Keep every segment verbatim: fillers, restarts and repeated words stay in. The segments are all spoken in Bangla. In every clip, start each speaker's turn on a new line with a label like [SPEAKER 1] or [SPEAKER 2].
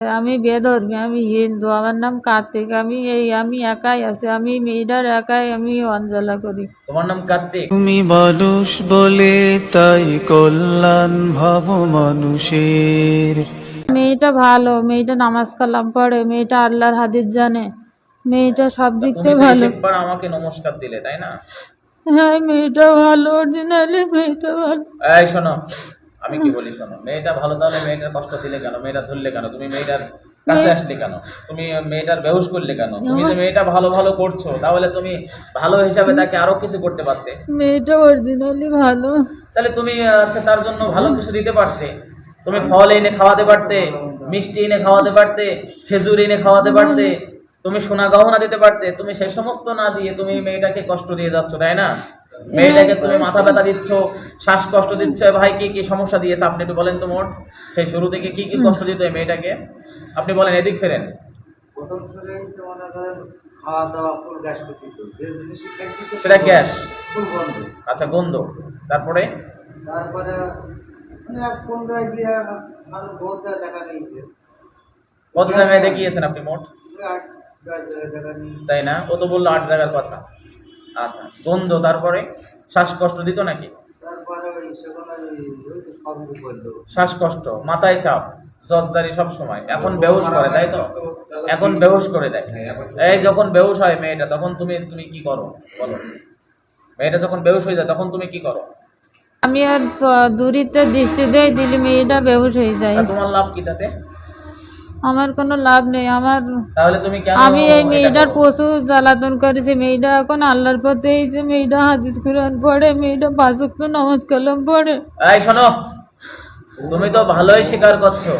[SPEAKER 1] আমি বেধর্মী, আমি হিন্দু, আমার নাম কার্তিক। আমি এই আমি একাই আছি, আমি মেয়েটার একাই আমি অঞ্জলা করি।
[SPEAKER 2] তোমার নাম কার্তিক?
[SPEAKER 3] তুমি মানুষ বলে তাই কল্যাণ ভাব মানুষের।
[SPEAKER 1] মেয়েটা ভালো, মেয়েটা নামাজ কালাম পড়ে, মেয়েটা আল্লাহর হাদিস জানে, মেয়েটা সব দিক
[SPEAKER 2] তুমি
[SPEAKER 1] থেকে
[SPEAKER 2] তো
[SPEAKER 1] ভালো।
[SPEAKER 2] একবার আমাকে নমস্কার দিলে, তাই না?
[SPEAKER 1] হ্যাঁ, মেয়েটা ভালো, অরিজিনালি মেয়েটা ভালো।
[SPEAKER 2] এই শোনো, আমি কি বলি শোনো, মেয়েটা ভালো, তাহলে মেয়েটার কষ্ট দিলে কেন? মেয়েটা ধরলে কেন? তুমি মেয়েটার কাছে আসলে কেন? তুমি মেয়েটার বেহুশ করলে কেন? তুমি যে মেয়েটা ভালো ভালো করছো, তাহলে তুমি ভালো হিসাবে তাকে আরো কিছু করতে পারতে।
[SPEAKER 1] মেয়েটা অরিজিনালি ভালো।
[SPEAKER 2] তাহলে তুমি আচ্ছা তার জন্য ভালো কিছু দিতে পারতে। তুমি ফল এনে খাওয়াতে পারতে, মিষ্টি এনে খাওয়াতে পারতে, খেজুর এনে খাওয়াতে পারতে, তুমি সোনা গহনা দিতে পারতে। তুমি সেই সমস্ত না দিয়ে তুমি মেয়েটাকে কষ্ট দিয়ে যাচ্ছ, তাই না? মেয়েটাকে তুমি মাথা ব্যথা দিচ্ছ, শ্বাসকষ্ট দিচ্ছ। ভাই কি কি সমস্যা দিয়েছে আপনি একটু বলেন তো মোট। সেই শুরু থেকে কি কি কষ্ট দিত এই মেয়েটাকে আপনি বলেন, এদিক ফেরেন।
[SPEAKER 4] প্রথম শুরু হয়েছে মনে করেন খাওয়া দাওয়া ফুল গ্যাস করতে দিত, যে জিনিস খাইতে দিত
[SPEAKER 2] সেটা গ্যাস,
[SPEAKER 4] ফুল বন্ধ।
[SPEAKER 2] আচ্ছা গন্ধ। তারপরে
[SPEAKER 4] তারপরে অনেক কোন জায়গায় গিয়ে ভালো বহুত দেখা নিয়েছে,
[SPEAKER 2] কত জায়গায় দেখিয়েছেন আপনি মোট?
[SPEAKER 4] আট দশ জায়গায় দেখা নিয়েছে।
[SPEAKER 2] তাই না? ও তো বললো আট জায়গার কথা। আচ্ছা গন্ধ, তারপরে শ্বাসকষ্ট দিত নাকি?
[SPEAKER 4] তারপরে ওই সেখানে ওই তো সবই করলো।
[SPEAKER 2] শ্বাসকষ্ট, মাথায় চাপ, জর্জারি সব সময়। এখন বেহুশ করে, তাই তো? এখন বেহুশ করে দেয়। এই যখন বেহুশ হয় মেয়েটা, তখন তুমি তুমি কি করো বলো? মেয়েটা যখন বেহুশ হয়ে যায় তখন তুমি কি করো?
[SPEAKER 1] আমি আর প- দূরিতে দৃষ্টি দেই, দিলে মেয়েটা বেহুশ হয়ে যায়।
[SPEAKER 2] তা তোমার লাভ কি তাতে?
[SPEAKER 1] আমার কোনো লাভ নেই। আমার
[SPEAKER 2] তাহলে তুমি কেন
[SPEAKER 1] আমি এই
[SPEAKER 2] এটা
[SPEAKER 1] মেয়েটার
[SPEAKER 2] করো?
[SPEAKER 1] প্রচুর জ্বালাতন করেছি। মেয়েটা এখন আল্লাহর পথে এসে, মেয়েটা হাদিস কুরআন পড়ে, মেয়েটা পাঁচ ওয়াক্ত নামাজ কালাম পড়ে।
[SPEAKER 2] এই শোনো, তুমি তো ভালোই স্বীকার করছো,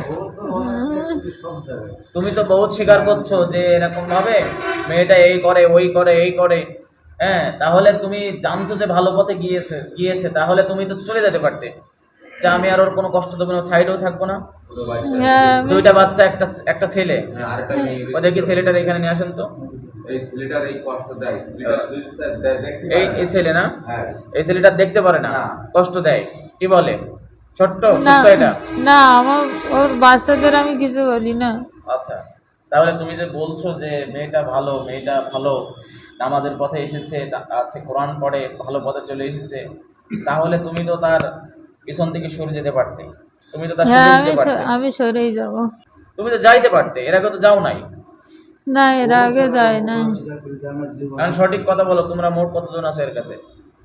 [SPEAKER 4] সব জায়গায়
[SPEAKER 2] তুমি তো বহুত স্বীকার করছো যে এরকম ভাবে মেয়েটা এই করে ওই করে এই করে। হ্যাঁ, তাহলে তুমি জানছো যে ভালো পথে গিয়েছে গিয়েছে তাহলে তুমি তো চলে যেতে পারতে, যে আমি আর ওর কোনো কষ্ট দেবো না, সাইডেও থাকবো না।
[SPEAKER 1] হ্যাঁ, আমি-
[SPEAKER 2] দুইটা বাচ্চা, একটা একটা ছেলে।
[SPEAKER 5] আরেকটা মেয়ে
[SPEAKER 2] ও দেখি ছেলেটার এখানে নিয়ে আসেন তো।
[SPEAKER 5] এই ছেলেটার এই কষ্ট দেয়, ছেলেটা দেখতে
[SPEAKER 2] এই
[SPEAKER 5] পারে না।
[SPEAKER 2] এই ছেলে না,
[SPEAKER 5] হ্যাঁ।
[SPEAKER 2] এই ছেলেটা দেখতে পারে না,
[SPEAKER 5] না।
[SPEAKER 2] কষ্ট দেয়। কি বলে? ছোট্ট
[SPEAKER 1] না
[SPEAKER 2] সত্য এটা।
[SPEAKER 1] না, আমার ওর বাচ্চাদের আমি কিছু বলি না।
[SPEAKER 2] আচ্ছা, তাহলে তুমি যে বলছো যে মেয়েটা ভালো, মেয়েটা ভালো নামাজের পথে এসেছে, তা- আছে কোরআন পড়ে, ভালো পথে চলে এসেছে, তাহলে তুমি তো তার পিছন থেকে সরে যেতে পারতে, তুমি তো তার
[SPEAKER 1] হ্যাঁ,
[SPEAKER 2] সুযোগ
[SPEAKER 1] আমি
[SPEAKER 2] দিতে
[SPEAKER 1] স-
[SPEAKER 2] পারতে,
[SPEAKER 1] আমি সরেই যাব।
[SPEAKER 2] তুমি তো যাইতে পারতে, এর আগে তো যাও নাই।
[SPEAKER 1] না, এর আগে যায় না।
[SPEAKER 4] আমার জীবন
[SPEAKER 2] কারণ সঠিক কথা বলো, তোমরা মোট কতজন আছে এর কাছে?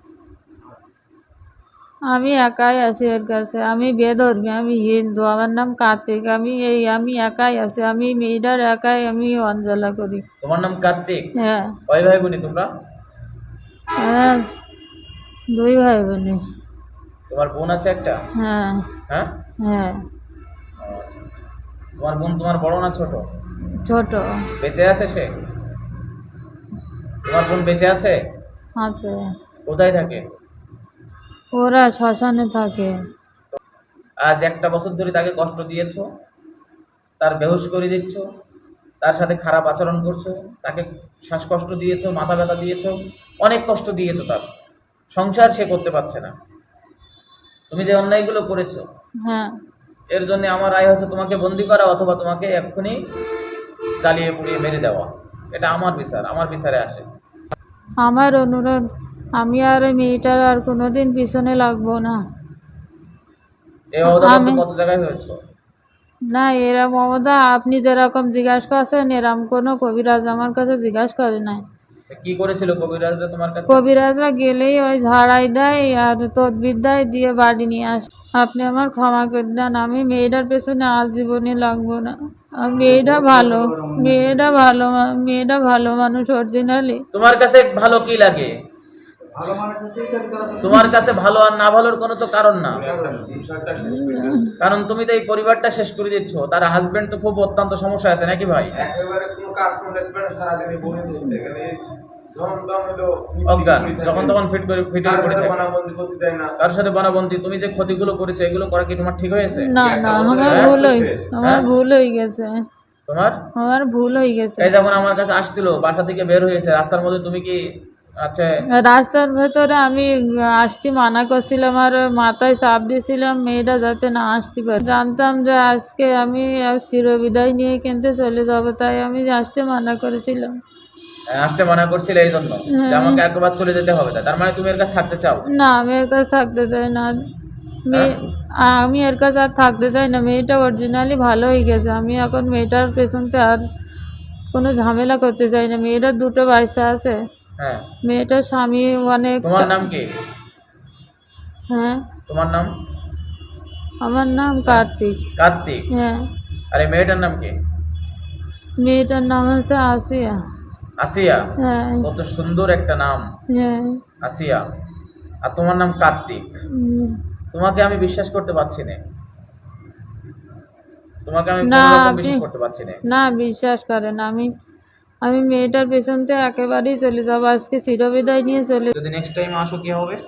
[SPEAKER 1] আমি একাই আছি এর কাছে। আমি বেধর্মী, আমি হিন্দু, আমার নাম কার্তিক। আমি এই আমি একাই আছি, আমি মেয়েটার একাই আমি অঞ্জলা করি।
[SPEAKER 2] তোমার নাম কার্তিক?
[SPEAKER 1] হ্যাঁ।
[SPEAKER 2] কয় ভাই বোনি তোমরা?
[SPEAKER 1] হ্যাঁ, দুই ভাই বোনে।
[SPEAKER 2] তোমার বোন আছে একটা?
[SPEAKER 1] হ্যাঁ।
[SPEAKER 2] হ্যাঁ।
[SPEAKER 1] হ্যাঁ,
[SPEAKER 2] আচ্ছা। তোমার বোন তোমার বড় না ছোট?
[SPEAKER 1] ছোট
[SPEAKER 2] বেঁচে আছে সে? তোমার বোন বেঁচে আছে?
[SPEAKER 1] আছে।
[SPEAKER 2] কোথায় থাকে?
[SPEAKER 1] ওরা শ্মশানে থাকে।
[SPEAKER 2] আজ একটা বছর ধরে তাকে কষ্ট দিয়েছো, তার বেহুশ করে দিচ্ছ, তার সাথে খারাপ আচরণ করছো, তাকে শ্বাসকষ্ট দিয়েছো, মাথা ব্যথা দিয়েছো, অনেক কষ্ট দিয়েছো। তার সংসার সে করতে পারছে না। তুমি যে অন্যায়গুলো করেছো,
[SPEAKER 1] হ্যাঁ।
[SPEAKER 2] এর জন্য আমার রায় হচ্ছে তোমাকে বন্দি করা, অথবা তোমাকে এক্ষুনি জ্বালিয়ে পুড়িয়ে মেরে দেওয়া। এটা আমার বিচার, আমার বিচারে আসে।
[SPEAKER 1] আমার অনুরোধ, আমি আর ওই মেয়েটার আর কোনোদিন পিছনে লাগবো না।
[SPEAKER 2] এই অবদান
[SPEAKER 1] আমি-
[SPEAKER 2] কত জায়গায় হয়েছে?
[SPEAKER 1] না, এরা মমতা আপনি যেরকম জিজ্ঞাসা করছেন, এরম কোনো কবিরাজ আমার কাছে জিজ্ঞাসা করে নাই।
[SPEAKER 2] কি করেছিল কবিরাজরা তোমার কাছে?
[SPEAKER 1] কবিরাজরা গেলেই ওই ঝাড়াই দেয় আর তদবির দেয়, দিয়ে বাড়ি নিয়ে আসে। আপনি আমার ক্ষমা করে দেন, আমি মেয়েটার পেছনে আজীবনে লাগবো না। আর মেয়েটা ভালো, মেয়েটা ভালো মা- মেয়েটা ভালো মানুষ অরিজিনালি।
[SPEAKER 2] তোমার কাছে ভালো কি লাগে?
[SPEAKER 4] ভালো মানুষের তুই তার দ্বারা তো
[SPEAKER 2] তোমার কাছে ভালো আর না ভালোর কোনো তো কারণ না,
[SPEAKER 5] একটা সংসারটা শেষ করে দিল।
[SPEAKER 2] কারণ তুমি তো এই পরিবারটা শেষ করে দিচ্ছ। তার হাজবেন্ড তো খুব অত্যন্ত সমস্যা আছে নাকি ভাই?
[SPEAKER 5] একেবারে কোনো কাজ করে দেখতে পারে না, সারাদিনে বনে চলতে গেলে এই যখন তখন হলো
[SPEAKER 2] অজ্ঞান, যখন তখন ফিট করে ফিটে
[SPEAKER 5] কারোর
[SPEAKER 2] পড়ে
[SPEAKER 5] সাথে
[SPEAKER 2] থাকে,
[SPEAKER 5] বানাবন্দি করতে দেয় না।
[SPEAKER 2] কারোর সাথে বানাবন্দি। তুমি যে ক্ষতিগুলো করেছো এগুলো করা কি তোমার ঠিক হয়েছে?
[SPEAKER 1] না না, আমার
[SPEAKER 2] হ্যাঁ?
[SPEAKER 1] ভুল হয়ে আমার
[SPEAKER 2] হ্যাঁ?
[SPEAKER 1] ভুল হয়ে গেছে।
[SPEAKER 2] তোমার
[SPEAKER 1] আমার ভুল হয়ে গেছে।
[SPEAKER 2] এই যখন আমার কাছে আসছিল, বাসা থেকে বের হয়েছে, রাস্তার মধ্যে তুমি কি আচ্ছা,
[SPEAKER 1] রাস্তার ভেতরে আমি আসতে মানা করছিলাম আর মাথায় চাপ দিয়েছিলাম মেয়েটা যাতে না আসতে পারে। জানতাম যে আজকে আমি চিরবিদায় নিয়ে কিনতে চলে যাব, তাই আমি আসতে মানা করেছিলাম।
[SPEAKER 2] আসতে মানা করছিলে এই জন্য যে আমাকে একবার চলে যেতে হবে, তাই? তার মানে তুমি এর কাছে থাকতে চাও?
[SPEAKER 1] না, আমি এর কাছে থাকতে চাই না। মেয়ে আমি এর কাছে আর থাকতে চাই না। মেয়েটা অরিজিনালি ভালো হয়ে গেছে। আমি এখন মেয়েটার পেছনতে আর কোনো ঝামেলা করতে চাই না। মেয়েটার দুটো বাচ্চা আছে।
[SPEAKER 2] হ্যাঁ,
[SPEAKER 1] মেয়েটার স্বামী অনেক।
[SPEAKER 2] তোমার নাম কি?
[SPEAKER 1] হ্যাঁ,
[SPEAKER 2] তোমার নাম?
[SPEAKER 1] আমার নাম কার্তিক।
[SPEAKER 2] কার্তিক।
[SPEAKER 1] হ্যাঁ,
[SPEAKER 2] আর এই মেয়েটার নাম কি?
[SPEAKER 1] মেয়েটার নাম হচ্ছে আসিয়া।
[SPEAKER 2] আসিয়া?
[SPEAKER 1] হ্যাঁ,
[SPEAKER 2] কত সুন্দর একটা নাম,
[SPEAKER 1] হ্যাঁ।
[SPEAKER 2] আসিয়া। আর তোমার নাম কার্তিক।
[SPEAKER 1] উম,
[SPEAKER 2] তোমাকে আমি বিশ্বাস করতে পারছি না, তোমাকে আমি
[SPEAKER 1] না,
[SPEAKER 2] কোনো রকম
[SPEAKER 1] আপনি
[SPEAKER 2] বিশ্বাস করতে পারছি না।
[SPEAKER 1] না বিশ্বাস করেন। আমি আমি মেয়েটার পেছনতে একেবারেই চলে যাবো। আজকে চিরবিদায় নিয়ে চলে।
[SPEAKER 2] যদি নেক্সট টাইম আসো কি হবে?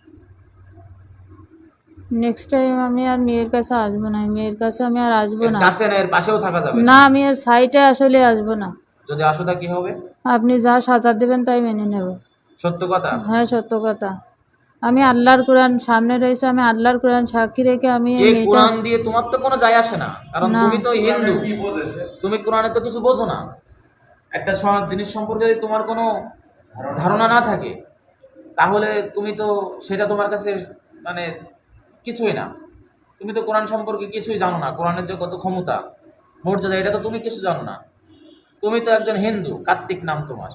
[SPEAKER 1] নেক্সট টাইম আমি আর মেয়ের কাছে আসবো না। মেয়ের কাছে আমি আর আসবো
[SPEAKER 2] এর
[SPEAKER 1] না।
[SPEAKER 2] কাছে না, এর পাশেও থাকা যাবে
[SPEAKER 1] না,
[SPEAKER 2] না।
[SPEAKER 1] আমি আর সাইটে আসলে আসবো না।
[SPEAKER 2] যদি আসো তা কি হবে?
[SPEAKER 1] আপনি যা সাজা দেবেন তাই মেনে নেব।
[SPEAKER 2] সত্য কথা?
[SPEAKER 1] হ্যাঁ, সত্য কথা। আমি আল্লাহর কোরআন সামনে রয়েছে, আমি আল্লাহর কোরআন সাক্ষী রেখে আমি এই
[SPEAKER 2] এই
[SPEAKER 1] মেয়েটা।
[SPEAKER 2] কোরআন দিয়ে তোমার তো কোনো যায় আসে না, কারণ
[SPEAKER 1] না।
[SPEAKER 2] তুমি তো হিন্দু।
[SPEAKER 5] কি বোঝেছে?
[SPEAKER 2] তুমি কোরআনে তো কিছু বোঝো না। একটা স- জিনিস সম্পর্কে যদি তোমার কোনো ধারণা না থাকে, তাহলে তুমি তো সেটা তোমার কাছে মানে কিছুই না। তুমি তো কোরআন সম্পর্কে কিছুই জানো না, কোরআনের যে কত ক্ষমতা মর্যাদা এটা তো তুমি কিছু জানো না। তুমি তো একজন হিন্দু, কার্তিক নাম তোমার।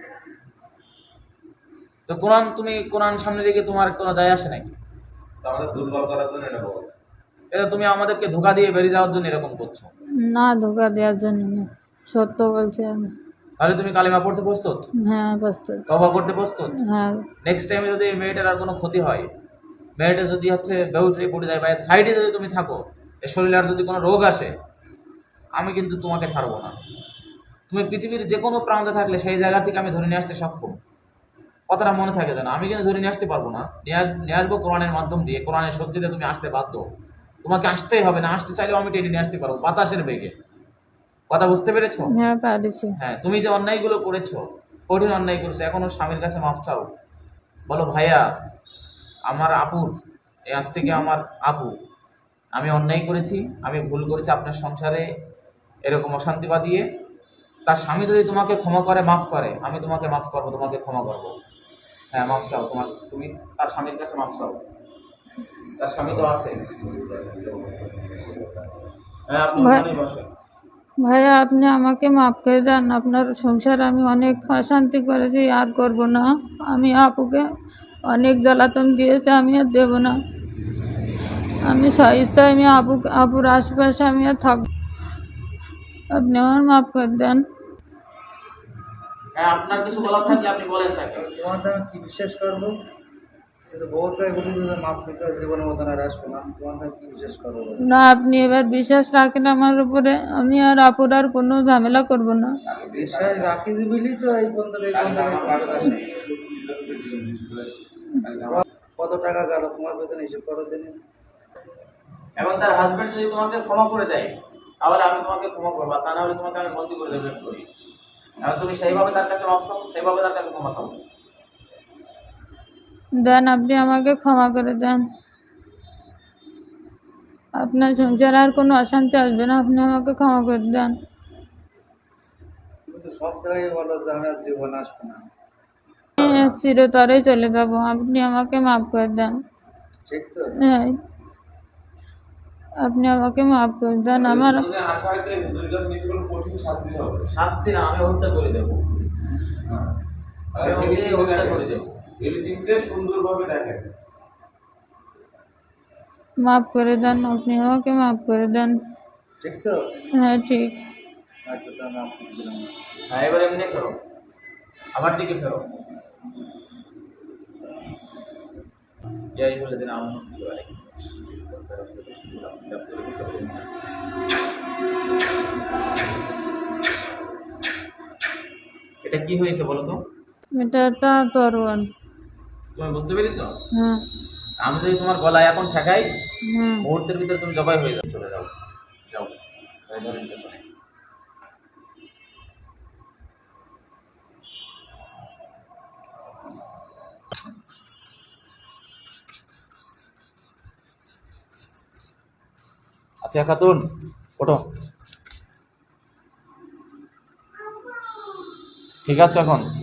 [SPEAKER 2] তো কোরআন, তুমি কোরআন সামনে রেখে তোমার কোনো যায় আসে নাকি?
[SPEAKER 5] আমাদের দুর্বল করার জন্য এটা বলছে।
[SPEAKER 2] এটা তুমি আমাদেরকে ধোঁকা দিয়ে বেরিয়ে যাওয়ার জন্য এরকম করছো।
[SPEAKER 1] না, ধোকা দেওয়ার জন্য না, সত্য বলছি আমি।
[SPEAKER 2] তাহলে তুমি কালিমা পড়তে প্রস্তুত?
[SPEAKER 1] হ্যাঁ, প্রস্তুত।
[SPEAKER 2] তওবা করতে প্রস্তুত?
[SPEAKER 1] হ্যাঁ,
[SPEAKER 2] নেক্সট টাইমে যদি এই মেয়েটার আর কোনো ক্ষতি হয়, মেয়েটা যদি হচ্ছে বেহুশ হয়ে পড়ে যায় বা সাইডে যদি তুমি থাকো, এর শরীরে আর যদি কোনো রোগ আসে, আমি কিন্তু তোমাকে ছাড়বো না। তুমি পৃথিবীর যে কোনো প্রান্তে থাকলে সেই জায়গা থেকে আমি ধরে নিয়ে আসতে সক্ষম। কথাটা মনে থাকে যেন, আমি কিন্তু ধরে নিয়ে আসতে পারবো না, নিয়ে আস- নিয়ে আসবো কোরআনের মাধ্যম দিয়ে। কোরআনের শক্তিতে তুমি আসতে বাধ্য। তোমাকে আসতেই হবে, না আসতে চাইলেও আমি টেনে নিয়ে আসতে পারবো বাতাসের বেগে। কথা বুঝতে পেরেছো?
[SPEAKER 1] হ্যাঁ, পারিছি।
[SPEAKER 2] হ্যাঁ, তুমি যে অন্যায়গুলো করেছো, কঠিন অন্যায় করেছো, এখনো স্বামীর কাছে মাফ চাও। বলো, ভাইয়া আমার আপুর, এই আজ থেকে আমার আপু, আমি অন্যায় করেছি, আমি ভুল করেছি আপনার সংসারে এরকম অশান্তি বাঁধিয়ে। তার স্বামী যদি তোমাকে ক্ষমা করে, মাফ করে, আমি তোমাকে মাফ করবো, তোমাকে ক্ষমা করবো। হ্যাঁ, মাফ চাও, তোমার তুমি তার স্বামীর কাছে মাফ চাও। তার স্বামী তো আছে। হ্যাঁ, আপনি
[SPEAKER 1] ভাই-
[SPEAKER 2] ওখানেই বসেন।
[SPEAKER 1] ভাইয়া, আপনি আমাকে মাফ করে দেন। আপনার সংসার আমি অনেক অশান্তি করেছি, আর করব না। আমি আপুকে অনেক জ্বালাতন দিয়েছি, আমি আর দেব না। আমি স্বেচ্ছায় আমি আপু আপুর আশেপাশে আমি আর থাকব। আপনি আমার মাফ করে দেন।
[SPEAKER 2] হ্যাঁ, আপনার কিছু বলার থাকলে আপনি বলেন তাকে।
[SPEAKER 4] তোমার দ্বারা কি বিশ্বাস করবো? সে তো বহুত জায়গায় বলি যে মাপ পেতে জীবনের মতন আর আসবো না। তোমার দ্বারা কি বিশ্বাস করবো?
[SPEAKER 1] না, আপনি এবার বিশ্বাস রাখেন আমার উপরে। আমি আর আপুর আর কোনো ঝামেলা করব না।
[SPEAKER 4] বিশ্বাস রাখি দিবিলি তো এই পর্যন্ত এই পর্যন্ত এই পর্যন্ত আসেনি। কত টাকা গেল তোমার বেতন হিসেব করো দিনে?
[SPEAKER 2] এবং তার হাজবেন্ড যদি তোমাকে ক্ষমা করে দেয়, তাহলে আমি তোমাকে ক্ষমা করবো, আর তা না হলে তোমাকে আমি বন্দি করে দেবো করি। এবং তুমি সেইভাবে তার কাছে মাফ চাও, সেইভাবে তার কাছে ক্ষমা চাও।
[SPEAKER 1] দেন, আপনি আমাকে ক্ষমা করে দেন। আপনার সংসারে আর কোনো অশান্তি আসবে না। আপনি আমাকে ক্ষমা করে দেন।
[SPEAKER 4] তুমি তো সব জায়গায় বলো যে আমি আর জীবনে আসবো না।
[SPEAKER 1] আমি চিরতরে চলে যাব। আপনি আমাকে মাফ করে দেন।
[SPEAKER 4] ঠিক তো?
[SPEAKER 1] হ্যাঁ, আপনি আমাকে মাফ করে দেন। আমার
[SPEAKER 5] যদি আশা হয় তো এই দুর্গত নিষ্ঠুর কঠিন শাস্তি হবে।
[SPEAKER 2] শাস্তি না, আমি হত্যা করে দেবো।
[SPEAKER 5] আর
[SPEAKER 2] আমি
[SPEAKER 5] ভেবে
[SPEAKER 2] নিজেই
[SPEAKER 5] চিন্তে
[SPEAKER 2] হত্যা
[SPEAKER 5] দেখেন।
[SPEAKER 2] করে দেবো।
[SPEAKER 5] ভেবে চিন্তে সুন্দরভাবে দেখেন।
[SPEAKER 1] মাফ করে দেন। আপনি আমাকে মাফ করে দেন।
[SPEAKER 4] ঠিক তো?
[SPEAKER 1] হ্যাঁ, ঠিক।
[SPEAKER 4] আচ্ছা, তো আমি আপনাকে দিলাম।
[SPEAKER 2] হ্যাঁ, এবার এমনি ফেরো, আমার দিকে ফেরো। يا أيها الذين آمنوا كتب عليكم এটা কি হয়েছে বলো তো?
[SPEAKER 1] এটা একটা তরোয়াল।
[SPEAKER 2] তুমি বুঝতে পেরেছো?
[SPEAKER 1] হ্যাঁ,
[SPEAKER 2] আমি যদি তোমার গলায় এখন ঠেকাই,
[SPEAKER 1] হ্যাঁ।
[SPEAKER 2] মুহূর্তের ভিতরে তুমি জবাই হয়ে যাও। চলে যাও, যাও, এই ধরেন পেছনে। আসিয়া খাতুন ওঠো, ঠিক আছে এখন?